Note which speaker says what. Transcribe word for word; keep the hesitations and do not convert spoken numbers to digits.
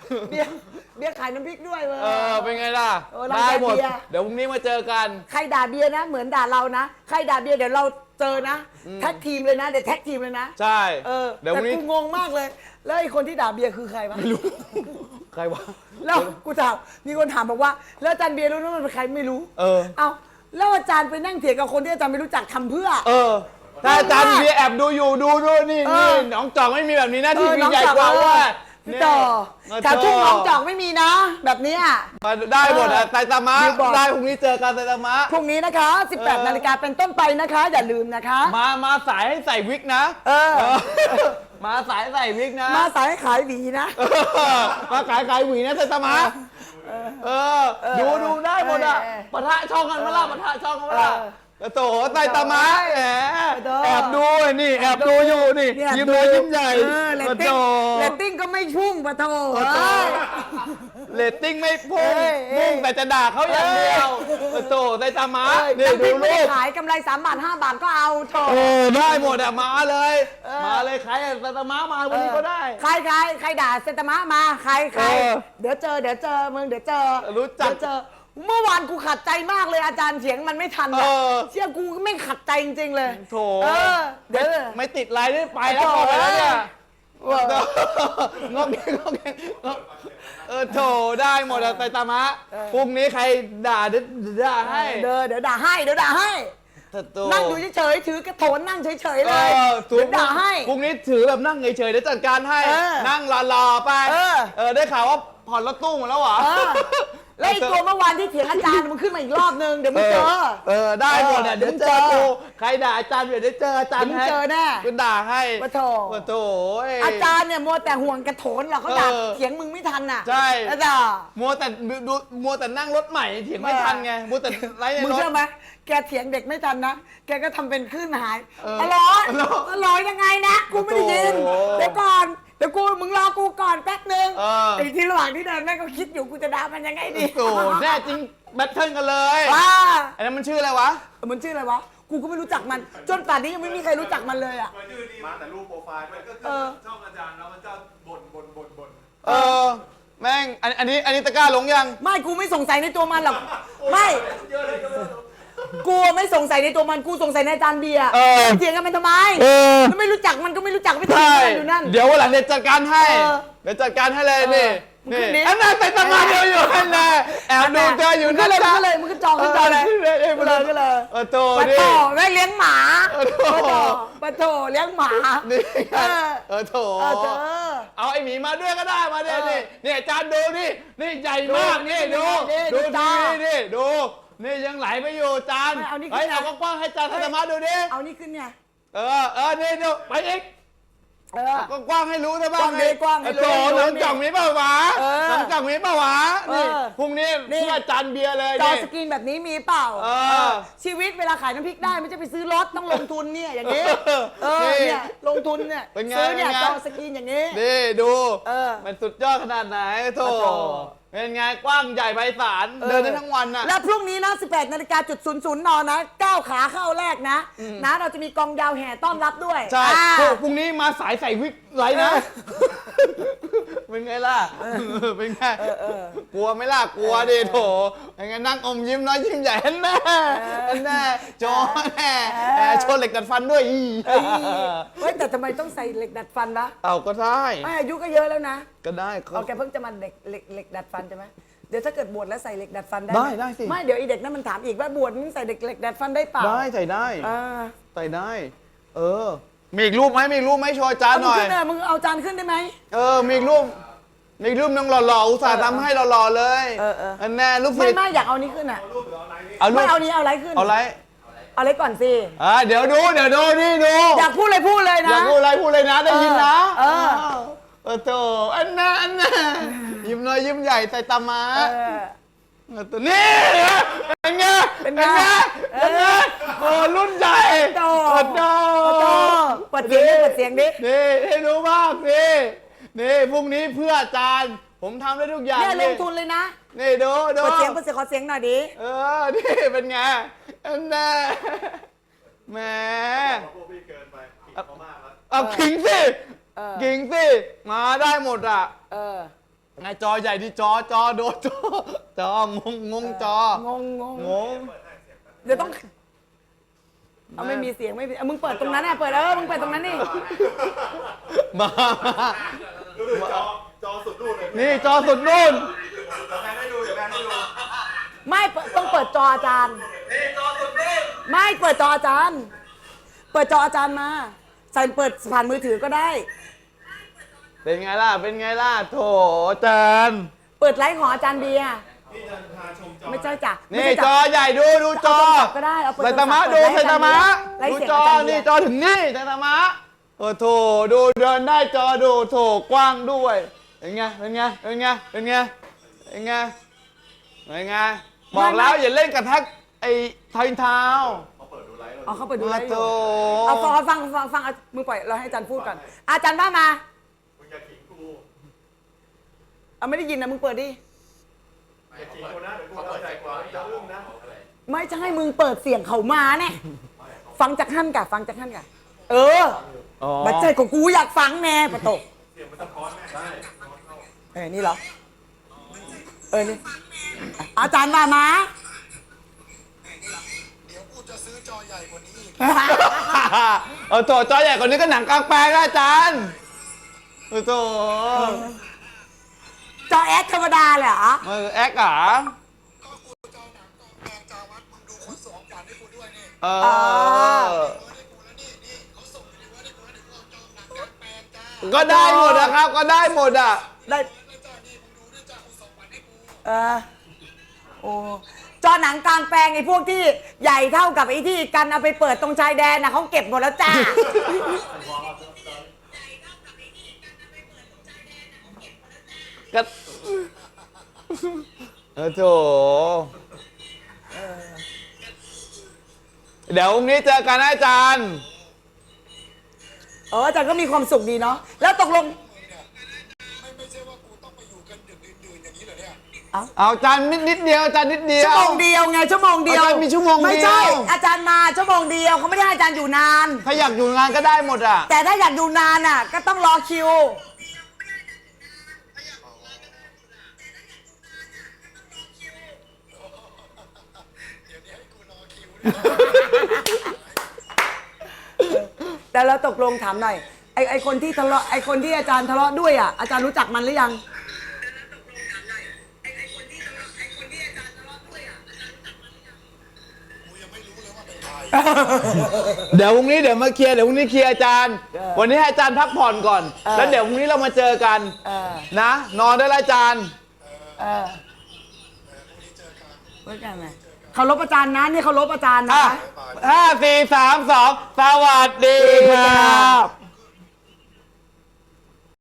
Speaker 1: เบียร์เบียร์ขายน้ำพริกด้วยเว้ย
Speaker 2: เออเป็นไงล่ะ
Speaker 1: เออร้าน
Speaker 2: ได้หมด
Speaker 1: เบียร์
Speaker 2: เดี๋ยวพรุ่งนี้มาเจอกัน
Speaker 1: ใครด่าเบียร์นะเหมือนด่าเรานะใครด่าเบียร์เดี๋ยวเราเจอนะแท็กทีมเลยนะเดี๋ยวแท็กทีมเลยนะ
Speaker 2: ใช่
Speaker 1: เออ
Speaker 2: เดี๋ยวพ
Speaker 1: แต่
Speaker 2: รุ่งนี้
Speaker 1: กูงงมากเลย แล้วไอ้คนที่ด่าเบียร์คือใครวะ
Speaker 2: ไม่รู้ใครวะ
Speaker 1: แล้วกูถามมีคนถามบอกว่าแล้วอาจารย์เบียร์รู้ว่ามันเป็นใครไม่รู้
Speaker 2: เออ
Speaker 1: เอาแล้วอาจารย์ไปนั่งเถียงกับคนที่อาจารย์ไม่รู้จักทำเพื่อ
Speaker 2: เออถ้าอาจารย์เบียร์แอบดูอยู่ดูดูนี่
Speaker 1: เอ
Speaker 2: นี่
Speaker 1: อ
Speaker 2: น้องจอกไม่มีแบบนี้นะ
Speaker 1: เอ
Speaker 2: ที่
Speaker 1: อ
Speaker 2: มี
Speaker 1: น้อง
Speaker 2: ใหญ่
Speaker 1: จอก
Speaker 2: กว่า
Speaker 1: เออ
Speaker 2: ว่า
Speaker 1: พี่ต่อแถวทุ่งน้องจอกไม่มีนะ แบบเนี้ย
Speaker 2: มาได้หมดอะไตตามะ
Speaker 1: บิลบอร์ด
Speaker 2: ได้พรุ่งนี้เจอกันไตตามะ
Speaker 1: พรุ่งนี้นะคะ สิบแปด
Speaker 2: เออ
Speaker 1: นาฬิกาเป็นต้นไปนะคะ อย่าลืมนะคะ
Speaker 2: มามาสายให้ใส่วิกนะ
Speaker 1: เออ
Speaker 2: เออมาสายใส่วิกนะ
Speaker 1: มาสายขายหวีนะ
Speaker 2: เออมาขายขายหวีนะไตตามะเออดูดูได้หมดอะ
Speaker 1: เออ
Speaker 2: ปะทะช่องกันมาละปะทะช่องกันมาละ
Speaker 1: เออ
Speaker 2: โถไตตามะแหม
Speaker 1: เออ
Speaker 2: แอบดูนี่แอบดูอยู่นี่
Speaker 1: เนี่ย
Speaker 2: ยิ้มน้อยยิ้มใหญ่
Speaker 1: เออเรต
Speaker 2: โถ
Speaker 1: ติ้งเรตติ้งก็ไม่พุ่งปะโถ
Speaker 2: โอ้โห
Speaker 1: เอ้ย
Speaker 2: เรตติ้งไม่พุ่ง
Speaker 1: เอ้ยเอ้ย
Speaker 2: มุ่งแต่จะด่าเขาอย่างเดียวโถไตตามะ
Speaker 1: เอ้ย
Speaker 2: นี่
Speaker 1: น้ำพ
Speaker 2: ดู
Speaker 1: ริกไม่
Speaker 2: รู
Speaker 1: ได้
Speaker 2: ป
Speaker 1: ขายกำไรสามบาทห้าบาทก็เอาโถ
Speaker 2: เออได้หมดอะมาเลย
Speaker 1: เออ
Speaker 2: มาเลยใครอะไตตามะมาวันนี้ก็ได้
Speaker 1: ใครใครใครด่าเซนตามะมาใครใคร
Speaker 2: เออ
Speaker 1: เดี๋ยวเจอเดี๋ยวเจอมึงเดี๋ยวเจอ
Speaker 2: รู้จัก
Speaker 1: เดี๋ยวเจอเมื่อวานกูขัดใจมากเลยอาจารย์เถียงมันไม่ทัน
Speaker 2: เอ
Speaker 1: อะ
Speaker 2: อ
Speaker 1: เชื่อกูไม่ขัดใจจริงๆเลย
Speaker 2: โถ
Speaker 1: เออเดี๋ยว
Speaker 2: ไม่ติดไลน์ได้ไปแล้ว
Speaker 1: โถ
Speaker 2: พอไปแล้วเนี่ย
Speaker 1: เออ
Speaker 2: งอกเงงงอกเงงเออโถได้หมดอะไตตามะพรุ่งนี้ใครด่าเดี๋ยวด่าให้
Speaker 1: เดี๋ยวเดี๋ยวด่าให้เดี๋ยวด่าให้
Speaker 2: โถ
Speaker 1: นั่งอยู่เฉยๆถือกระโถนนั่งเฉยๆ
Speaker 2: เอ
Speaker 1: เลย
Speaker 2: อ
Speaker 1: เดี๋ยวด่าให้
Speaker 2: พรุ่งนี้ถือแบบนั่งเฉยๆเดี๋ยวจัดการให้
Speaker 1: เออ
Speaker 2: นั่งรอๆไป
Speaker 1: เออ
Speaker 2: เออได้ข่าวว่าผ่อนรถตู้หมดแล้วเหรอ
Speaker 1: เออแล้วไอ้ตัวเมื่อวานที่เถียงอาจารย์มันขึ้นมาอีกรอบนึงเดี๋ยวมึงเจอ
Speaker 2: เออได้หมดอ่ะ
Speaker 1: เดี๋
Speaker 2: เดี๋
Speaker 1: ย
Speaker 2: ยว ว
Speaker 1: มึง
Speaker 2: เจ
Speaker 1: เจ
Speaker 2: อ
Speaker 1: อ
Speaker 2: กูใครด่าอาจารย์เดี๋ยวได้เจออาจารย์
Speaker 1: เดี๋ยวมึงเจอแน่
Speaker 2: กูด่าให้
Speaker 1: ปะโถ
Speaker 2: ปะโถเ
Speaker 1: อาจารย์เนี่ยมัวแต่ห่วงกระโถนหรอกเขาด่า
Speaker 2: เออ
Speaker 1: เถียงมึงไม่ทันน่ะ
Speaker 2: ใช่
Speaker 1: อาจารย์
Speaker 2: มัวแต่ดูดูมัวแต่นั่งรถใหม่เถียงไม่ทันไงมัวแต่ไล่ใน
Speaker 1: มึง
Speaker 2: รถ
Speaker 1: เชื่อไหมแกเถียงเด็กไม่ทันนะแกก็ทำเป็นคลื่นหาย
Speaker 2: เออ
Speaker 1: อร่อย
Speaker 2: อร่อย
Speaker 1: อร่อยยังไงนะกูไม่ได้ยิน
Speaker 2: โอ้โห
Speaker 1: เดี๋ยวก่อนเดี๋ยวกูมึงรอกูก่อนแป๊บนึง
Speaker 2: เออ
Speaker 1: ไอ้ที่ระหว่างที่เดินแม่งก็คิดอยู่กูจะด่ามันยังไงดี
Speaker 2: โอ้โหแน่จริงแบทเทิลกันเลย
Speaker 1: ว้า
Speaker 2: อันนั้นมันชื่ออะไรวะ
Speaker 1: มันชื่ออะไรวะกูก็ไม่รู้จักมันจนป่านนี้ยังไม่มีใครรู้จักมันเลยอ่ะ
Speaker 3: ชื่อดีมาแต่รูปโปรไฟล์ด้วยก็
Speaker 1: เอ
Speaker 3: คือ
Speaker 1: อ
Speaker 3: ช่องอาจารย์แล้วมันจะบ่นบ่นบ่นบ่น
Speaker 2: เออแม่งอันอันนี้อันนี้ตะกร้าลงยัง
Speaker 1: ไม่กูไม่สงสัยในตัวมันหรอกไม่
Speaker 3: เยอะเลยเยอะเลย
Speaker 1: กูไม่สงสัยในตัวมันกูสงสัยในอาจารย์เบียร์
Speaker 2: เออ
Speaker 1: เถียงกันมันทำไม
Speaker 2: เออ
Speaker 1: แล้วไม่รู้จักมันก็ไม่รู้จักไม่เถียง
Speaker 2: ใช่
Speaker 1: กันอยู่นั่น
Speaker 2: เดี๋ยววันหลังเดี๋ยวจัดการให้
Speaker 1: เออ
Speaker 2: เดี๋ยวจัดการให้เลยนี่
Speaker 1: มึงขึ้นดิ
Speaker 2: อันนั้นไปตำนานเดียวอยู่นั่นแหละแอบดูเธออยู่
Speaker 1: มึง
Speaker 2: นั่
Speaker 1: ก็
Speaker 2: น
Speaker 1: เลยมึง
Speaker 2: นะ
Speaker 1: ก็เลยมึงก็จองขึ้นจองเลย
Speaker 2: ขึ้นเลยเอ้ย
Speaker 1: ก็เลยก็เลย
Speaker 2: เออโต
Speaker 1: ปะ
Speaker 2: ดิ
Speaker 1: โถแม่เลี้ยงหมา
Speaker 2: เออโถ
Speaker 1: ปะโถปะโถเลี้ยงหมา
Speaker 2: นี่
Speaker 1: เออ
Speaker 2: เออโถ
Speaker 1: เออเธอ
Speaker 2: เอาไอหมีมาด้วยก็ได้มาเนี่ย
Speaker 1: เออ
Speaker 2: นี่นี่อาจารย์ดูนี่นี่ใหญ่มาก
Speaker 1: ดู
Speaker 2: นี่ดู
Speaker 1: นี่ดู
Speaker 2: ดู
Speaker 1: จ้า
Speaker 2: ดีนี่ดูนี่ยังไหลไปอยู่อาจารย์
Speaker 1: ไม่เอานี่
Speaker 2: เฮ้ย
Speaker 1: ขึ้นนะ
Speaker 2: เอากว้างๆให้อาจารย์ธรรมะดูดิ
Speaker 1: เอานี่ขึ้นเนี่ย
Speaker 2: เออเออนี่ดูไปอีก
Speaker 1: เออ
Speaker 2: ก็กว้างให้รู้ซะบ้าง
Speaker 1: กว้างดีกว้างให้รู้
Speaker 2: โถ
Speaker 1: ให้รู้
Speaker 2: หนังจ่องมีเปล่าวะ
Speaker 1: เออ
Speaker 2: หนังจ่องมีเปล่าวะนี่
Speaker 1: เออ
Speaker 2: พรุ่งนี้
Speaker 1: นี่
Speaker 2: เพื่ออาจารย์เบียร์เลย
Speaker 1: จอ
Speaker 2: นี่
Speaker 1: สกรีนแบบนี้มีเปล่า
Speaker 2: เออ
Speaker 1: ชีวิตเวลาขายน้ำพริกได้ไม่ใช่ไปซื้อรถต้องลงทุนเนี่ยอย่างนี้ เออ
Speaker 2: นี่
Speaker 1: เนี่ยลงทุนเนี่ย
Speaker 2: เป็นไง
Speaker 1: ซื้อเนี่ย
Speaker 2: เป็นไง
Speaker 1: จอสกรีนอย่างนี้
Speaker 2: นี่ดู
Speaker 1: เออ
Speaker 2: มันสุดยอดขนาดไหนโถ
Speaker 1: โอ้โห
Speaker 2: เป็นไงกว้างใหญ่ไพศาลเดินได้ทั้งวันน่ะ
Speaker 1: และพรุ่งนี้นะ สิบแปดนาฬิกาจุดศูนย์ศูนย์นนะก้าวขาเข้าแรกนะ นะเราจะมีกองยาวแห่ต้อนรับด้วย
Speaker 2: ใช่
Speaker 1: อ่า
Speaker 2: พวกพรุ่งนี้มาสายใส่วิกไรนะ เป็นไงล่ะ เป็นไง กลัวไหม่ล่ะ กลัวดิโถเป็นไงนั่งอมยิ้มน้อยยิ้มใหญ่แน่แน่โจแน่แอบโชว์เหล็กดัดฟันด้วยอี
Speaker 1: เฮ้ยเฮ้ยแต่ทำไมต้องใส่เหล็กดัดฟันวะ
Speaker 2: เอาก็ได้
Speaker 1: ไม่อายุก็เยอะแล้วนะ
Speaker 2: ก็ได้เขา
Speaker 1: เอาแกเพิ่งจะมาเด็กเหล็กเหล็กดัดฟันใช่ไหมเดี๋ยวถ้าเกิดบวชแล้วใส่เหล็กดัดฟันได้
Speaker 2: ได้
Speaker 1: หม
Speaker 2: ได้สิ
Speaker 1: ไม่เดี๋ยวไอีเด็กนั้นมันถามอีกว่าบวชมึงใส่เหล็กเหล็กดัดฟันได้เปล่า
Speaker 2: ได้ใส่ได้
Speaker 1: อ่า
Speaker 2: ใส่ได้ เออ มีอีกรูปไหมมีอีกรูปไหมโชว์อาจาร
Speaker 1: เอา
Speaker 2: ย์ห
Speaker 1: มึง
Speaker 2: น่อย
Speaker 1: ขึ้นเลยมึงเอาจานขึ้นได้ไหม
Speaker 2: เออ มีอีกรูป มีอีกรูปนึงหล่อๆ อุตส่าห์ทำให้หล่อๆเลย
Speaker 1: เออเออ
Speaker 2: อันแน่รูป
Speaker 1: ไม่
Speaker 2: ศิษย์
Speaker 1: ไม่อยากเอานี้ขึ้นอ่ะ
Speaker 2: เอารู
Speaker 1: ไม่
Speaker 2: ป
Speaker 1: เอานี้เอาอะไรขึ้น
Speaker 2: เอาไร
Speaker 1: เอาอะไรก่อนสิ
Speaker 2: อ่าเดี๋ยวดู เดี๋ยวดู นี่ดู
Speaker 1: อยากพูดเลยพูดเลยนะ
Speaker 2: อยากพูดอะไรพูดเลยนะ ได้ยินนะ
Speaker 1: เออ
Speaker 2: เออโถอันน่ะอันน่ะยิ้มน้อยยิ้มใหญ่ใส่ตามา
Speaker 1: เออ
Speaker 2: เออตัวนี้เป็นไง
Speaker 1: เป็นไง
Speaker 2: เป็นไงโอ้รุ่นใหญ่
Speaker 1: โต
Speaker 2: โอ้โต
Speaker 1: โตเปิดเสียงดิเปิดเสียงดิ
Speaker 2: นี่ให้รู้บ้างสินี่พรุ่งนี้เพื่ออาจารย์ ผมทำได้ทุกอย่าง
Speaker 1: เนี่ยลงทุนเลยนะ
Speaker 2: นี่ดูดู
Speaker 1: เปิดเสียงเปิดเสียงขอเสียงหน่อยดิ
Speaker 2: เออ นี่เป็นไงอันน่ะแหม
Speaker 3: พวกพี่เกินไปผิดเขามากแล้ว
Speaker 2: เอาขิงสิ
Speaker 1: เออ
Speaker 2: ขิงสิ มาได้หมดอ่ะ
Speaker 1: เออ
Speaker 2: ไงจอใหญ่ดิจอจอโดนจอจองงงงจอง
Speaker 1: งงง
Speaker 2: งง
Speaker 1: เดี๋ยวต้องเอาไม่มีเสียงไม่มีเอามึงเปิดตรงนั้นน่ะเปิดเออมึงเปิดตรงนั้นนี่
Speaker 2: มามา
Speaker 3: ดูดิจอจอสุดนู่นเลย
Speaker 2: นี่จอสุดนู่น
Speaker 3: เดี๋ยวแม่ให้ดูเดี๋ยวแม่ให้ดู
Speaker 1: ไม่เปิดต้องเปิดจออาจารย์
Speaker 3: นี่จอสุดนี่
Speaker 1: ไม่เปิดจออาจารย์ เปิดจออาจารย์มา ใส่เปิดผ่านมือถือก็ได้
Speaker 2: เป็นไงล่ะเป็นไงล่ะโถอาจารย์
Speaker 1: เปิดไลฟ์ของอาจารย์เบียร์
Speaker 3: นี่จะพาชมจอ
Speaker 1: ไม่ใช่จ้ะไม่
Speaker 2: นี่
Speaker 1: ใช่
Speaker 2: จ
Speaker 1: จ้ะ
Speaker 2: อใหญ่ดูดูจอ
Speaker 1: เอาโทรศัพท์ก็ได้เอาเปิด
Speaker 2: ไซตามะ
Speaker 1: โทรศัพท์
Speaker 2: ดูไซตามะ
Speaker 1: ไล่
Speaker 2: ดู
Speaker 1: เสียง
Speaker 2: จอ
Speaker 1: อาจารย์เบียร์
Speaker 2: นี่จอถึงนี่ไซตามะโอ้โถดูเดินได้จอดูโถกว้างด้วยเป็นไงเป็นไงเป็นไงเป็นไงเป็นไงเป็นไงบอกแล้วอย่าเล่นกระทักไอ้ทอยเท้า
Speaker 3: เขาเปิดดูไลฟ์
Speaker 1: เอาเข้าไปดูไลฟ์อ
Speaker 2: โถ
Speaker 1: ยู่เอาฟังฟังฟังฟังเอามึงปล่อยเราให้อาจารย์พูดก่อนอาจารย์ว่ามา
Speaker 3: มึงอย่าขิงกู
Speaker 1: เอาไม่ได้ยินนะมึงเปิดดิ
Speaker 3: อย่าขิงกูนะเดี๋ยวกูเข้าใจกว่าจะอึ้งนะ
Speaker 1: ไม่ใช่มึงเปิดเสียงเขามาเนี่ยฟังจากท่านกะฟังจากท่านกะเออ
Speaker 2: อ๋อ
Speaker 1: บัดใจของกูอยากฟังแน่ปะโตก
Speaker 3: เสียงมันสะท้อนแม่ได้
Speaker 1: เออนี่เหรอเออนี่อาจารย์ว่ามา
Speaker 4: เดี๋ยวกูจะซื้อจอใหญ่กว่านี้อีก
Speaker 2: เออโถจอใหญ่กว่านี้ก็หนังกลางแปลงนะอาจารย์โอ้โถ
Speaker 1: จอแอดธรรมดาเลยเหรอ
Speaker 2: เออแอคอ่ะ
Speaker 4: ก็กูจะเอาหนังกองแปลงจาวัดมึงดูคนส่งของขวัญให้กูด้วยนี่
Speaker 2: เออ
Speaker 4: เออให้กูแล้วนี่นี่เขาส่งไปในเวิร์ดให้กูแล้วเดี๋ยวกูเอาจอหนังกางแปลงจ้า
Speaker 2: ก็ได้หมดนะครับ ก็ได้หมดอ่ะ
Speaker 1: ได้
Speaker 4: แล้วจ้านี่มึงดูด้วยจ้ากูส่งขวัญให้กู
Speaker 1: เออโอ้จอหนังกลางแปลงไอ้พวกที่ใหญ่เท่ากับไอ้ที่กันเอาไปเปิดตรงชายแดนนะเขาเก็บหมดแล้วจ้า
Speaker 2: ก็เออโถเดี๋ยวพรุ่งนี้เจอกันนะอาจารย์
Speaker 1: เอออาจารย์ก็มีความสุขดีเนาะแล้วตกลง
Speaker 4: ไม่ไม่ใช่ว่ากูต้องไปอยู่กันดึกดื่นๆอย่างนี้เหรอเนี่ย
Speaker 2: เอาอาจารย์นิดนิดเดียวอาจารย์นิดเดียว
Speaker 1: ชั่วโมงเดียวไงชั่วโมงเดียว
Speaker 2: อาจารย์มีชั่วโมงเดียว
Speaker 1: ไม่ใช่อาจารย์มาชั่วโมงเดียวเขาไม่ได้ให้อาจารย์อยู่นาน
Speaker 2: ถ้าอยากอยู่งานก็ได้หมดอ่ะ
Speaker 1: แต่ถ้าอยากอยู่นานอ่ะ ก็ต้องรอคิว
Speaker 4: เดี๋ยวนี้ให้กูรอคิว
Speaker 1: แต่เราตกลงถามหน่อยไอไอคนที่ทะเลาะไอคนที่อาจารย์ทะเลาะด้วยอ่ะอาจารย์รู้จักมันหรือยัง
Speaker 4: กูยังไม่รู้เลยว่าเป็นใคร
Speaker 2: เดี๋ยวพรุ่งนี้เดี๋ยวมาเคลียร์เดี๋ยวพรุ่งนี้เคลียร์อาจารย์
Speaker 1: เออ
Speaker 2: วันนี้ให้อาจารย์พักผ่อนก่อน
Speaker 1: เออ
Speaker 2: แล้วเดี๋ยวพรุ่งนี้เรามาเจอกัน
Speaker 1: เออ
Speaker 2: นะ นอนได้แล้วอาจารย์
Speaker 1: เออเพื่อกันไงเคารพอาจารย์นะนี่เคารพอาจารย์นะ
Speaker 2: อ่ะ
Speaker 1: คะ
Speaker 2: ห้าสี่สามสองสวัสดีครับ